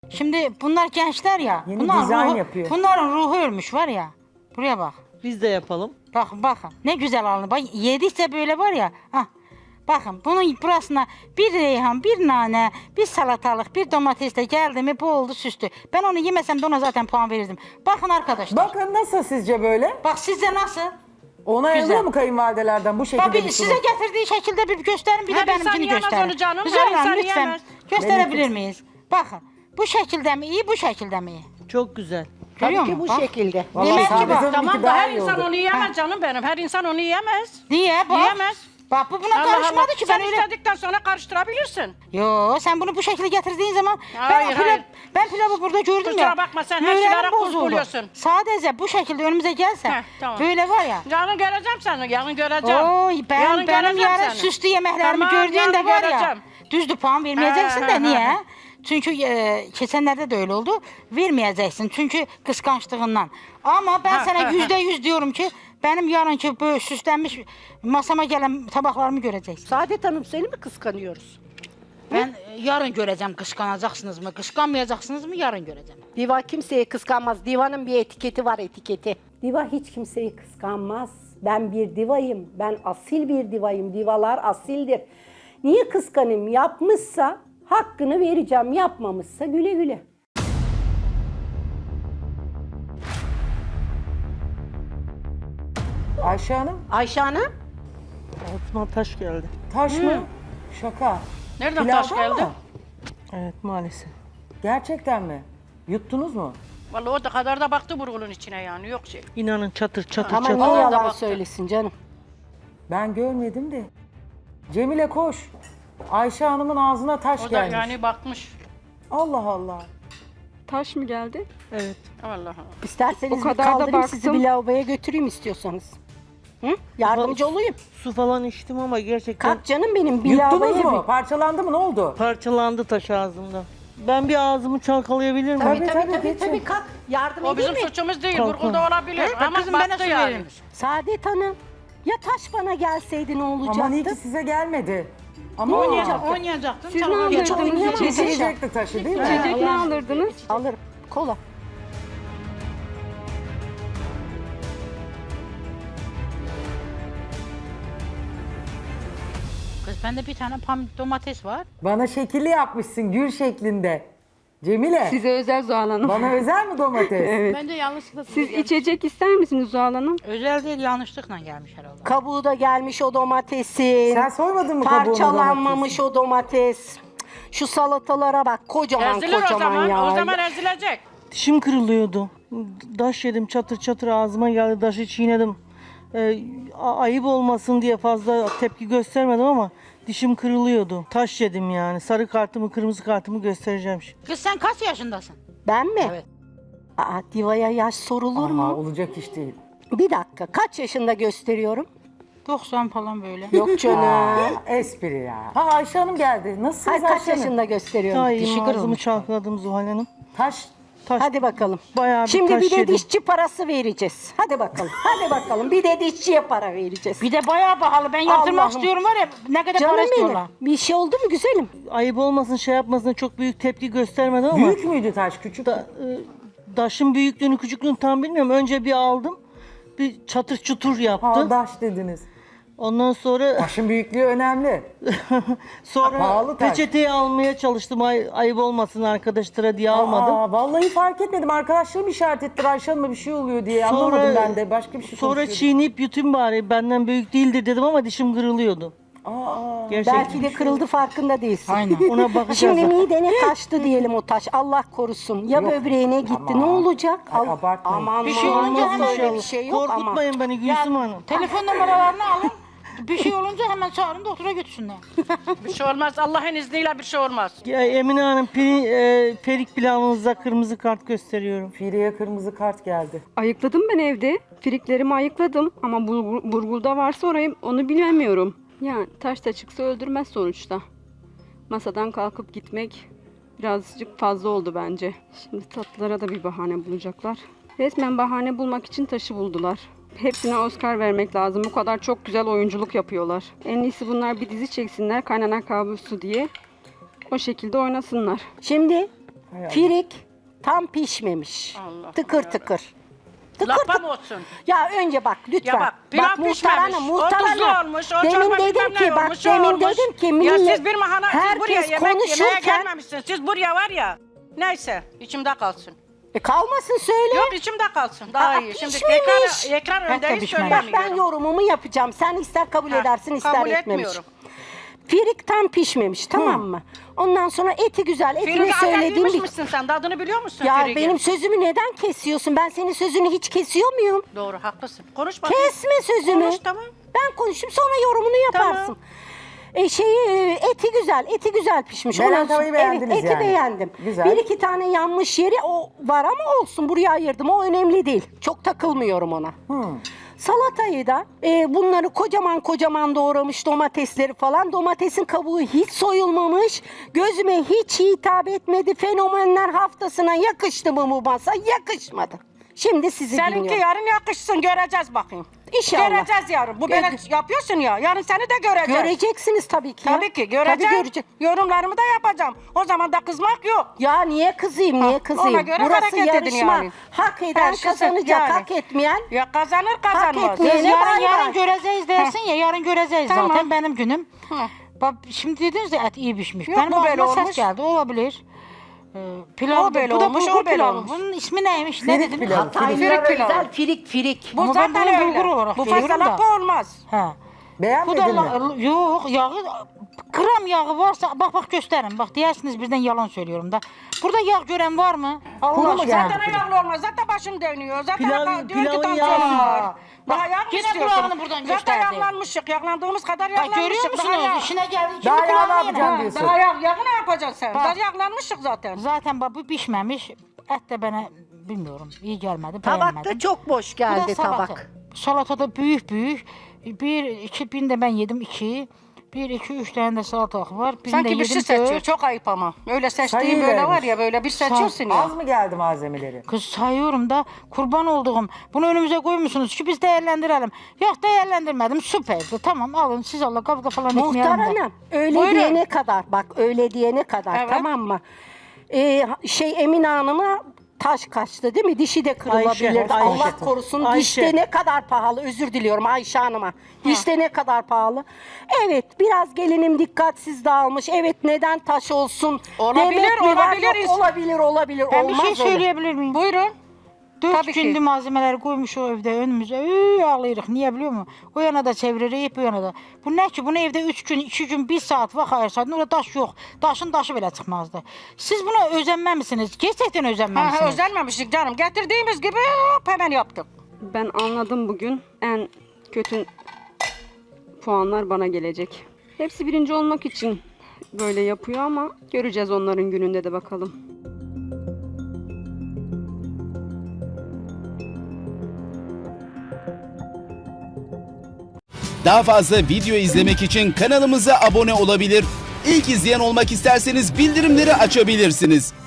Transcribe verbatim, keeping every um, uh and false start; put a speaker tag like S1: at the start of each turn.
S1: Şimdi bunlar gençler ya.
S2: Yeni
S1: bunlar
S2: dizayn
S1: ruhu,
S2: yapıyor.
S1: Bunların ruhu ölmüş var ya. Buraya bak.
S3: Biz de yapalım.
S1: Bakın bakın. Ne güzel alındı. Bak yedikçe böyle var ya. Hah. Bakın bunun burasına bir reyhan, bir nane, bir salatalık, bir domates de geldi mi bu oldu süslü. Ben onu yemesem de ona zaten puan verirdim. Bakın arkadaşlar. Bak,
S2: Bakın nasıl sizce böyle?
S1: sizce nasıl?
S2: Ona
S1: Güzel.
S2: alıyor mu kayınvalidelerden bu şekilde
S1: Bak
S2: bir
S1: bir
S2: sunum?
S1: size getirdiği şekilde bir gösterin bir
S4: Her
S1: de
S4: insan
S1: benimkini
S4: yiyemez
S1: gösterin.
S4: onu canım,
S1: Güzel
S4: her
S1: hanım,
S4: insan
S1: lütfen
S4: yiyemez.
S1: gösterebilir
S2: Benim-
S1: miyiz? Bakın bu şekilde mi iyi bu şekilde mi iyi?
S3: Çok güzel.
S1: Görüyor
S5: Tabii ki bu
S1: musun? Bak.
S5: şekilde.
S2: Vallahi
S1: Yemek
S2: Saadet
S1: gibi.
S2: Hanım'ınki
S4: Tamam da
S2: daha
S4: her
S2: iyi
S4: insan
S2: oldu.
S4: onu yiyemez canım benim. Her insan onu yiyemez.
S1: Niye bak?
S4: Yiyemez.
S1: Bak bu buna
S4: Allah
S1: karışmadı
S4: Allah.
S1: ki
S4: Sen
S1: ben öyle.
S4: istedikten sonra karıştırabilirsin.
S1: Yo sen bunu bu şekilde getirdiğin zaman
S4: Hayır,
S1: ben, pilav,
S4: hayır.
S1: ben pilavı burada gördüm
S4: Kusura
S1: ya.
S4: bakma, sen her
S1: moralim
S4: şeylere kul
S1: bozuldu.
S4: buluyorsun.
S1: Sadece bu şekilde önümüze gelse
S4: Heh, tamam.
S1: böyle var ya.
S4: Yarın göreceğim seni, yarın göreceğim.
S1: Oy ben
S4: Yarın
S1: benim
S4: göreceğim
S1: yarın
S4: seni.
S1: süslü yemeklerimi
S4: Tamam,
S1: gördüğünde
S4: yarın
S1: var
S4: göreceğim.
S1: ya. Düzdü puan vermeyeceksin
S4: Ha,
S1: de
S4: ha,
S1: niye?
S4: ha.
S1: Çünkü e, geçenlerde de öyle oldu. Vermeyeceksin çünkü kıskançlığından. Ama ben
S4: Ha,
S1: sana
S4: ha,
S1: yüzde yüz diyorum ki benim yarınki böyle süslenmiş masama gelen tabaklarımı göreceksin.
S5: Saadet Hanım seni mi kıskanıyoruz?
S1: Ben e, yarın göreceğim kıskanacaksınız mı, kıskanmayacaksınız mı yarın göreceğim.
S5: Diva kimseye kıskanmaz. Divanın bir etiketi var, etiketi.
S6: Diva hiç kimseyi kıskanmaz. Ben bir divayım. Ben asil bir divayım. Divalar asildir. Niye kıskanayım? Yapmışsa hakkını vereceğim. Yapmamışsa güle güle.
S2: Ayşe Hanım
S5: Ayşe Hanım,
S3: Altıma taş geldi.
S2: taş mı? Şaka.
S4: Nereden
S2: Pilavdan
S4: taş geldi?
S2: mı?
S3: Evet maalesef.
S2: Gerçekten mi? Yuttunuz mu?
S4: Vallahi o da kadar da baktı burgulun içine yani, yok şey.
S3: İnanın çatır çatır
S5: ama
S3: çatır.
S5: niye
S4: da
S5: yalan
S4: baktı.
S5: söylesin canım?
S2: Ben görmedim de. Cemile koş. Ayşe Hanım'ın ağzına taş
S4: O da
S2: gelmiş.
S4: yani bakmış.
S2: Allah Allah.
S7: Taş mı geldi?
S3: Evet.
S4: Allah Allah.
S5: İsterseniz
S7: O
S5: bir
S7: kadar da
S5: kaldırayım sizi
S7: baktım.
S5: bir lavaboya götüreyim istiyorsanız. Hı? Yardımcı olayım.
S3: Su falan içtim ama gerçekten
S5: Kalk canım benim bir
S2: Yuttunuz
S5: lavaboya
S2: mu?
S5: bir...
S2: Parçalandı mı? Ne oldu?
S3: parçalandı taş ağzımda. Ben bir ağzımı çalkalayabilir miyim?
S5: Tabii tabii
S2: Tabii,
S5: tabii,
S2: geçin.
S5: tabii, kalk. Yardım
S4: O
S5: edeyim
S4: bizim
S5: mi?
S4: suçumuz değil,
S3: Kalkın.
S4: burgulda olabilir.
S1: Bak
S4: Ama
S1: kızım bana
S4: baktı
S1: su
S4: yani.
S1: verilmiş.
S5: Saadet Hanım, ya taş bana gelseydi ne olacaktı?
S2: Aman iyi ki size gelmedi. Ama
S1: Oynayacak, oynayacaktın.
S7: Siz ne
S1: çalgı-
S7: alırdınız?
S5: Çok oynayamam.
S2: Çekecekti taşı değil mi?
S7: İçecek ne alırdınız?
S5: Alırım. Kola.
S1: Kız bende bir tane pam domates var.
S2: Bana şekilli yapmışsın gül şeklinde. Cemile.
S7: Size özel Zuhal Hanım.
S2: Bana özel mi domates?
S7: Evet.
S4: Bence yanlışlıkla
S7: Siz içecek ister misiniz Zuhal Hanım?
S1: Özel değil yanlışlıkla gelmiş herhalde.
S5: Kabuğu da gelmiş o domatesin.
S2: Sen soymadın mı kabuğunu
S5: Parçalanmamış o domates. Şu salatalara bak, kocaman
S4: Ezilir o
S5: kocaman
S4: zaman,
S5: ya.
S4: o zaman ezilecek.
S3: Dişim kırılıyordu. Daş yedim çatır çatır ağzıma geldi. Taşı çiğnedim. Ee, a- ayıp olmasın diye fazla tepki göstermedim ama dişim kırılıyordu. Taş yedim yani. Sarı kartımı, kırmızı kartımı göstereceğim şimdi.
S1: Kız sen kaç yaşındasın?
S5: Ben mi?
S1: Evet.
S5: Aa, divaya yaş sorulur
S2: Ama
S5: mu?
S2: olacak iş değil.
S5: Bir dakika, kaç yaşında gösteriyorum?
S1: doksan falan böyle.
S5: Yok canım.
S2: Aa, espri ya. Ha Ayşe Hanım geldi. Nasılsınız
S5: Hayır, kaç
S2: Ayşe Hanım?
S5: yaşında gösteriyorum?
S3: Daha
S1: dişi
S3: iyi ağzımı
S1: kırılmış.
S3: çalkaladım Zuhal Hanım.
S2: Taş.
S3: Taş,
S5: Hadi bakalım.
S3: bayağı bir
S5: Şimdi
S3: taş
S5: bir de
S3: yedim.
S5: dişçi parası vereceğiz. Hadi bakalım. Hadi bakalım. Bir de dişçiye para vereceğiz.
S1: Bir de bayağı pahalı. Ben yaptırmak
S5: Allah'ım.
S1: istiyorum var ya ne kadar
S5: Canım
S1: para
S5: benim.
S1: istiyorlar.
S5: Bir şey oldu mu güzelim?
S3: Ayıp olmasın, şey yapmasın, çok büyük tepki göstermedim ama
S2: Büyük müydü taş? Küçük mü?
S3: da, e, daşın büyüklüğünü, küçüklüğünü tam bilmiyorum. Önce bir aldım. Bir çatır çutur yaptı.
S2: Ha taş dediniz.
S3: Ondan sonra
S2: Taşın büyüklüğü önemli.
S3: sonra
S2: Pahalı taş.
S3: peçeteyi almaya çalıştım. Ay, ayıp olmasın arkadaşlara diye almadım.
S2: Aa, vallahi fark etmedim. Arkadaşlarım işaret etti. Ayşe Hanım'a bir şey oluyor diye.
S3: Sonra-
S2: Anlamadım ben de. Başka bir şey
S3: Sonra
S2: konuşuyorduk.
S3: çiğneyip yutayım bari. Benden büyük değildir dedim ama dişim kırılıyordu.
S2: Aa,
S3: Gerçekten.
S5: Belki de kırıldı farkında değilsin.
S1: Aynen.
S3: Ona bakacağız.
S5: Şimdi midene kaçtı diyelim o taş. Allah korusun. Ya
S2: Yok.
S5: böbreğine gitti.
S2: Aman.
S5: Ne olacak?
S2: Ay,
S5: Al-
S2: abartmayın.
S5: Aman
S1: Bir şey
S5: aman,
S1: olunca
S5: olmaz
S1: hemen
S5: öyle
S1: şey-
S5: bir şey yok ama.
S3: Korkutmayın beni Gülsüm Hanım.
S1: Telefon numaralarını alın. Bir şey olunca hemen çağırın doktora götürsünler.
S4: Bir şey olmaz, Allah'ın izniyle bir şey olmaz.
S3: Ya, Emine Hanım peri, e, perik pilavınıza kırmızı kart gösteriyorum.
S2: Fire'ye kırmızı kart geldi.
S7: Ayıkladım ben evde. Friklerimi ayıkladım ama burgu- burgulda varsa orayı onu bilemiyorum. Yani taş da çıksa öldürmez sonuçta. Masadan kalkıp gitmek birazcık fazla oldu bence. Şimdi tatlılara da bir bahane bulacaklar. Resmen bahane bulmak için taşı buldular. Hepsine Oscar vermek lazım. Bu kadar çok güzel oyunculuk yapıyorlar. En iyisi bunlar bir dizi çeksinler kaynana kabusu diye. O şekilde oynasınlar.
S5: Şimdi
S2: Hay Allah.
S6: Firik tam pişmemiş.
S4: Allah
S6: tıkır
S4: Allah.
S6: tıkır. Tıkır
S4: Lapa
S6: tıkır.
S4: mı olsun?
S6: Ya önce bak lütfen.
S4: Ya bak, pilav
S6: muhtar
S4: pişmemiş,
S6: hanım,
S4: o
S6: muhtar
S4: tuzlu
S6: hanım.
S4: olmuş, o
S6: Demin
S4: çorba
S6: dedim
S4: bilmem
S6: ki
S4: ne
S6: bak
S4: olmuş, o
S6: demin
S4: olmuş.
S6: dedim ki
S4: Ya
S6: millet,
S4: siz bir mahana, siz buraya
S6: herkes
S4: yemek yemeye
S6: konuşurken
S4: gelmemişsiniz. Siz buraya var ya, neyse içimde kalsın.
S6: e, kalmasın söyle.
S4: Yok içimde kalsın, daha
S6: Aa,
S4: iyi. Şimdi
S6: pişmemiş.
S4: ekran, ekran
S1: Hatta
S4: önündeyiz
S1: pişmemiş.
S6: Bak
S4: söylemiyorum.
S6: ben yorumumu yapacağım. Sen ister kabul
S4: Ha,
S6: edersin ister
S4: kabul
S6: etmemiş.
S4: etmiyorum.
S6: Firik tam pişmemiş tamam mı? Ondan sonra eti güzel. Etini
S4: Firik
S6: söylediğim
S4: yemiş
S6: bir...
S4: misin sen? Tadını biliyor musun
S6: Ya
S4: Firik'in?
S6: benim sözümü neden kesiyorsun? Ben senin sözünü hiç kesiyor muyum?
S4: Doğru, haklısın. Konuş bakayım.
S6: Kesme sözümü.
S4: Konuş, tamam.
S6: Ben konuşayım sonra yorumunu yaparsın.
S4: Tamam.
S6: E şeyi e, eti güzel, eti güzel pişmiş.
S2: Beren
S6: Ondan sonra-
S2: tavayı beğendiniz
S6: evet, eti
S2: yani.
S6: beğendim.
S2: Güzel.
S6: Bir iki tane yanmış yeri o var ama olsun buraya ayırdım. O önemli değil. Çok takılmıyorum ona.
S2: Hmm.
S6: Salatayı da e, bunları kocaman kocaman doğramış domatesleri falan. Domatesin kabuğu hiç soyulmamış. Gözüme hiç hitap etmedi. Fenomenler haftasına yakıştı mı bu masa? Yakışmadı. Şimdi sizi
S4: Seninki
S6: dinliyorum.
S4: yarın yakışsın, göreceğiz bakayım.
S6: İnşallah.
S4: Göreceğiz yarın. Bu
S6: Gö-
S4: böyle yapıyorsun ya, yarın seni de göreceğiz.
S6: Göreceksiniz tabii ki. ya.
S4: Tabii ki göreceğim.
S6: Tabii görece-
S4: Yorumlarımı da yapacağım. O zaman da kızmak yok.
S6: Ya niye kızayım, niye
S4: Ha,
S6: kızayım?
S4: ona göre
S6: Burası
S4: hareket edin
S6: yarışma.
S4: yani.
S6: Hak eden
S4: Her şey
S6: kazanacak,
S4: yani.
S6: hak etmeyen.
S4: Ya kazanır kazanmaz.
S6: etmeyen-
S1: Biz
S6: Ne
S1: yarın,
S6: bay
S1: yarın
S6: bay.
S1: göreceğiz dersin ya, yarın göreceğiz
S4: Tamam.
S1: zaten benim günüm.
S4: Hı.
S1: Bak şimdi dediniz ya et iyi pişmiş.
S4: Yok,
S1: benim
S4: bu böyle
S1: ağzıma ses
S4: olmuş.
S1: geldi, olabilir. Ee, pilav
S4: O böyle
S1: bu da
S4: olmuş,
S1: bulgur
S4: o böyle
S1: pilavı.
S4: olmuş.
S1: Bunun ismi neymiş? Ne
S2: Firik
S1: dediniz?
S2: pilavı.
S6: Hataylılara
S4: Firik pilavı.
S6: özel firik firik.
S4: Bu
S1: Ama ben
S4: zaten
S1: bunu
S4: öyle.
S1: bulgur olarak
S4: Bu
S1: görüyorum
S4: fazla
S1: da.
S4: lapa olmaz.
S1: Ha. Bu
S2: Beğenmedin
S1: da
S2: mi?
S1: la- yok yağı gram yağı varsa bak bak gösterin. Bak diyersiniz birden yalan söylüyorum da. Burada yağ gören var mı? Allah
S2: Kuru mu
S1: aşkına.
S2: geldi?
S4: Zaten yağlı olmaz. Zaten başım dönüyor. Zaten
S3: Pilav-
S4: hatta diyor ki
S3: pilavın
S4: tansiyonum
S3: yağı-
S4: var. Daha yağ mı
S1: Yine
S4: istiyorsun?
S1: kulağını buradan
S4: Zaten
S1: gösterdi.
S4: yağlanmışık. Yağlandığımız kadar
S1: Bak
S4: yağlanmışık.
S1: görüyor
S4: Daha yağ-
S1: musunuz? İşine geldi. Şimdi
S2: Daha yağ ne
S1: kulağını
S2: yapacağım
S1: yine.
S2: diyorsun?
S4: Daha yağ, yağı ne yapacaksın sen?
S1: Bak.
S4: Daha yağlanmışık zaten.
S1: Zaten bak bu pişmemiş. Et de bana bilmiyorum iyi gelmedi.
S6: Tabak da
S1: beğenmedim.
S6: çok boş
S1: Bu da
S6: geldi
S1: salata.
S6: tabak.
S1: Salatada büyük büyük. Bir, iki bin de ben yedim iki. Bir, iki, üç tane de salatalık var. Birini de
S4: Sanki bir
S1: yedim
S4: şey seçiyor.
S1: dört.
S4: Çok ayıp ama. Öyle seçtiğin
S2: Sayı
S4: böyle
S2: vermiş.
S4: var ya böyle bir seçiyorsun ya.
S2: Az mı geldi malzemeleri?
S1: Kız sayıyorum da kurban olduğum. Bunu önümüze koymuşsunuz ki biz değerlendirelim. Yok değerlendirmedim süperdi. Tamam alın siz Allah kavga falan
S6: Muhtar
S1: etmeyelim de.
S6: hanım öyle
S4: Buyurun.
S6: diyene kadar bak öyle diyene kadar
S4: Evet.
S6: tamam mı? Ee, şey Emine Hanım'a taş kaçtı değil mi? Dişi de kırılabilirdi.
S3: Ayşe,
S6: Allah
S3: Ayşe.
S6: korusun.
S3: Ayşe.
S6: Dişte ne kadar pahalı özür diliyorum Ayşe Hanım'a. Dişte ne kadar pahalı. Evet biraz gelinim dikkatsiz dağılmış. Evet neden taş olsun?
S4: Olabilir,
S6: demek mi var?
S4: olabilir.
S6: Yok, olabilir olabilir.
S1: Ben bir
S6: Olmaz
S1: şey
S6: öyle.
S1: söyleyebilir miyim?
S4: Buyurun.
S1: Dört
S4: Tabii ki.
S1: gündür malzemeleri koymuş o evde önümüze. Üy, ağlayırıq. Niye biliyor musun? O yana da çeviririk, bu yana da. Bu ne ki? Bunu evde üç gün, iki gün, bir saat vaxt ayırsaydın, orada daş yok. Daşın daşı belə çıxmazdı. Siz buna özenməmisiniz. Gerçekten
S4: Ha, ha,
S1: özenməmisiniz.
S4: özenmemiştik canım. Getirdiğimiz gibi hop hemen yaptık.
S7: Ben anladım bugün. En kötü puanlar bana gelecek. Hepsi birinci olmak için böyle yapıyor ama göreceğiz onların gününde de bakalım.
S8: Daha fazla video izlemek için kanalımıza abone olabilir. İlk izleyen olmak isterseniz bildirimleri açabilirsiniz.